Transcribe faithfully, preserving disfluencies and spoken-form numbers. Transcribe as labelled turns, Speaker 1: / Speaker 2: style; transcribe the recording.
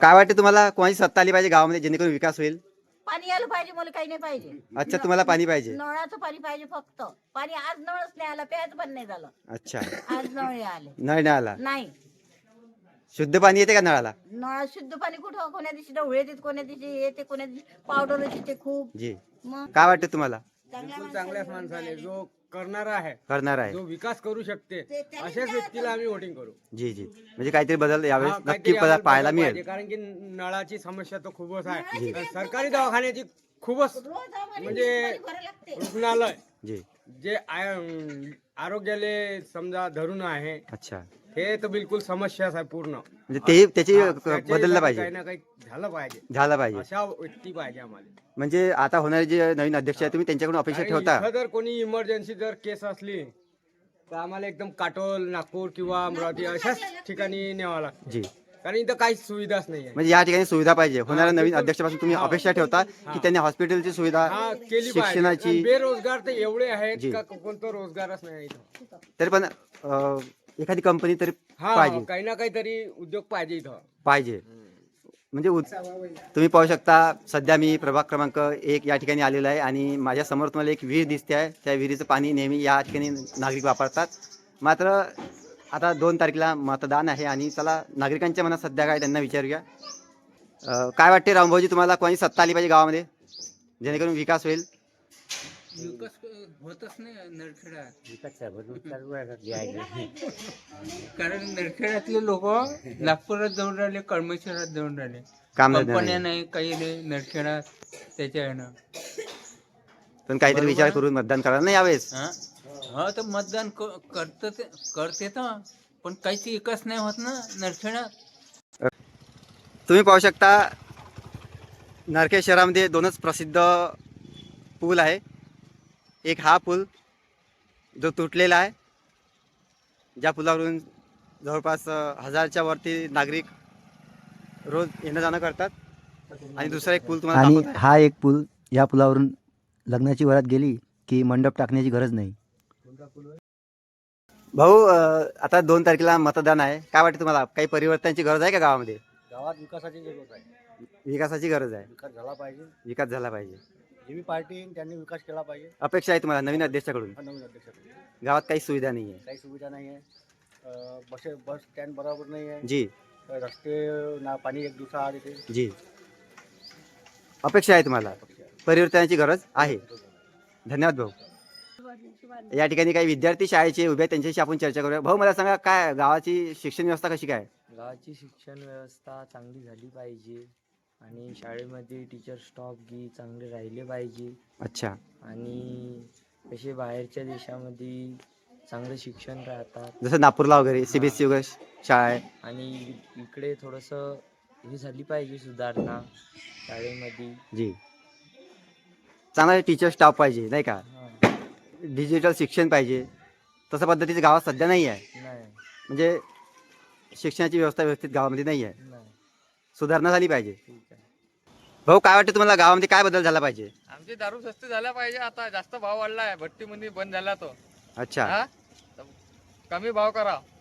Speaker 1: काय वाटते तुम्हाला कोणाची सत्ता आली पाहिजे गावामध्ये जेणेकरून विकास होईल?
Speaker 2: पाणी यायला पाहिजे, मला काही नाही पाहिजे.
Speaker 1: अच्छा, तुम्हाला पाणी पाहिजे.
Speaker 2: नळाचं पाणी पाहिजे फक्त. पाणी आज नळच नाही आला, प्यायचं पण नाही झालं.
Speaker 1: अच्छा,
Speaker 2: आज नळ नाही आले.
Speaker 1: नळ नाही आला.
Speaker 2: नाही,
Speaker 1: शुद्ध पाणी येते का नळाला?
Speaker 2: नळात शुद्ध पाणी कुठं? कोण्या दिवशी ढवळे येते, कोण्या दिवशी येते, कोण्या दिवशी पावडर येते खूप.
Speaker 1: जी,
Speaker 2: मग
Speaker 1: काय वाटते तुम्हाला?
Speaker 2: चांगल्या
Speaker 3: चांगल्याच माणसाने जो करणारा आहे,
Speaker 1: करणार आहे.
Speaker 3: जो विकास करू शकते, अशाच व्यक्तीला आम्ही वोटिंग करू.
Speaker 1: जी जी, म्हणजे काहीतरी बदल यावेळेस
Speaker 3: हा,
Speaker 1: नक्की
Speaker 3: काहीतरी
Speaker 1: पदा-
Speaker 3: आम्हाला
Speaker 1: पाहायला
Speaker 3: बदल
Speaker 1: मिळेल.
Speaker 3: पाहिजे, कारण की नळाची समस्या तर खूपच आहे. सरकारी दवाखान्याची खूपच
Speaker 2: रोज आम्हाला
Speaker 3: म्हणजे
Speaker 2: पाणी भरायला लागते.
Speaker 3: रुग्णालय
Speaker 1: जी,
Speaker 3: जे आय- आरोग्याले समजा धरून आहे,
Speaker 1: अच्छा,
Speaker 3: हे तर बिलकुल समस्याच आहे पूर्ण.
Speaker 1: म्हणजे ते त्याची
Speaker 3: हा, त्याच्यासाठी
Speaker 1: बदललं
Speaker 3: काही
Speaker 1: पाहिजे,
Speaker 3: ना काही झालं पाहिजे.
Speaker 1: झालं पाहिजे.
Speaker 3: अशा व्यक्ती पाहिजे आम्हाला.
Speaker 1: म्हणजे आता होणारे जे नवीन अध्यक्ष आहे तुम्ही त्यांच्याकडून अपेक्षा
Speaker 3: आणि
Speaker 1: ठेवता?
Speaker 3: इथं जर कोणी इमर्जन्सी जर केस असली तर आम्हाला एकदम काटोल, नागपूर किंवा अमरावती अशाच ठिकाणी न्यावं लागतं,
Speaker 1: जी,
Speaker 3: कारण इथं काहीच सुविधाच नाही आहे.
Speaker 1: म्हणजे या ठिकाणी सुविधा पाहिजे. होणाऱ्या नवीन
Speaker 3: बिलकुल.
Speaker 1: अध्यक्षापासून तुम्ही
Speaker 3: हा.
Speaker 1: अपेक्षा ठेवता की त्यांनी हॉस्पिटलची सुविधा,
Speaker 3: हा केली पाहिजे.
Speaker 1: शिक्षणाची,
Speaker 3: आणि बेरोजगार तर एवढे आहेत
Speaker 1: जी.
Speaker 3: का कोणतं रोजगारच नाही इथं.
Speaker 1: तरी पण अं, एखादी कंपनी तरी
Speaker 3: हा,
Speaker 1: पाहिजे
Speaker 3: काही ना काहीतरी उद्योग पाहिजे इथं.
Speaker 1: पाहिजे म्हणजे उद- तुम्ही पाहू शकता सध्या मी प्रभाग क्रमांक एक या ठिकाणी आलेलो आहे आणि माझ्या समोर तुम्हाला एक विहीर दिसते आहे. त्या विहिरीचं पाणी नेहमी या ठिकाणी नागरिक वापरतात. मात्र आता दोन तारखेला मतदान आहे आणि चला नागरिकांच्या मनात सध्या काय त्यांना विचारूया. अं, काय वाटते रामभाऊजी तुम्हाला कोणी सत्ता आली पाहिजे गावामध्ये जेणेकरून विकास होईल?
Speaker 4: विकास होतच नाही नरखेड्यात. कारण नरखेड्यातले लोक नागपुरात जाऊन राहिले, कळमेश्वरात जाऊन राहिले.
Speaker 1: काम
Speaker 4: कंपन्या नाही, काही नाही नरखेड्यात. त्याच्यानं
Speaker 1: पण काहीतरी विचार करून मतदान करायला नाही यावेळेस.
Speaker 4: हा हा, तर मतदान क- करत करते तर, पण काहीच विकास नाही होत ना नरखेड्यात.
Speaker 1: तुम्ही पाहू शकता नरखेड शहरामध्ये दोनच प्रसिद्ध पूल आहे. एक हा पूल जो तुटलेला आहे, ज्या पुलावरून जवळपास अ, हजारच्या वरती नागरिक रोज येणं जाणं करतात. आणि दुसरा एक पूल तुम्हाला
Speaker 5: आणि
Speaker 1: दाखवतो आहे.
Speaker 5: हा एक पूल, या पुलावरून लग्नाची वरात गेली की मंडप टाकण्याची गरज नाही.
Speaker 1: भाऊ, अ, आता दोन तारखेला मतदान आहे. काय वाटतं तुम्हाला, काही परिवर्तनाची गरज आहे का गावामध्ये?
Speaker 6: गावात विकासाची जरूरत आहे.
Speaker 1: विकासाची गरज आहे.
Speaker 6: विकास झाला पाहिजे.
Speaker 1: विकास झाला पाहिजे.
Speaker 6: जे बी पार्टी येईन त्यांनी विकास केला पाहिजे.
Speaker 1: अपेक्षा आहे तुम्हाला नवीन अध्यक्षाकडून?
Speaker 6: हा नवीन अध्यक्षाकडे
Speaker 1: गावात काही सुविधा नाही आहे.
Speaker 6: काही सुविधा नाही आहे. अं, बसे बस स्टँड बरोबर नाही आहे.
Speaker 1: जी
Speaker 6: रस्ते ना पाणी एक दिवसा आड येते.
Speaker 1: जी, अपेक्षा आहे तुम्हाला, परिवर्तनाची गरज आहे. धन्यवाद भाऊ. या ठिकाणी काही विद्यार्थी शाळेचे उभे आहेत, त्यांच्याशी आपण चर्चा करूया. भाऊ, मला सांगा, काय गावाची शिक्षण व्यवस्था कशी काय?
Speaker 7: गावाची शिक्षण व्यवस्था चांगली झाली पाहिजे आणि शाळेमध्ये टीचर स्टॉफ गी चांगले राहिले पाहिजे.
Speaker 1: अच्छा,
Speaker 7: आणि तसे बाहेरच्या देशामध्ये चांगलं शिक्षण राहतात.
Speaker 1: जसं नागपूरला वगैरे सीबीएसई वगैरे शाळा आहे.
Speaker 7: आणि इकडे थोडंसं हे झाली पाहिजे सुधारणा शाळेमध्ये.
Speaker 1: जी, चांगला टीचर स्टाफ पाहिजे नाही का,
Speaker 7: हां,
Speaker 1: डिजिटल शिक्षण पाहिजे. तसं पद्धतीचं गावात सध्या नाही आहे.
Speaker 7: नाही
Speaker 1: म्हणजे शिक्षणाची व्यवस्था व्यवस्थित गावामध्ये नाही आहे.
Speaker 7: नाही
Speaker 1: सुधारणा झाली पाहिजे.
Speaker 7: ठीक आहे.
Speaker 1: भाऊ, काय वाटतं तुम्हाला गावामध्ये काय बदल झाला पाहिजे?
Speaker 8: आमची दारू स्वस्त झाला पाहिजे. आता जास्त भाव वाढला आहे, भट्टीमध्ये बंद झाला तो.
Speaker 1: अच्छा,
Speaker 8: हा, तर कमी भाव करा.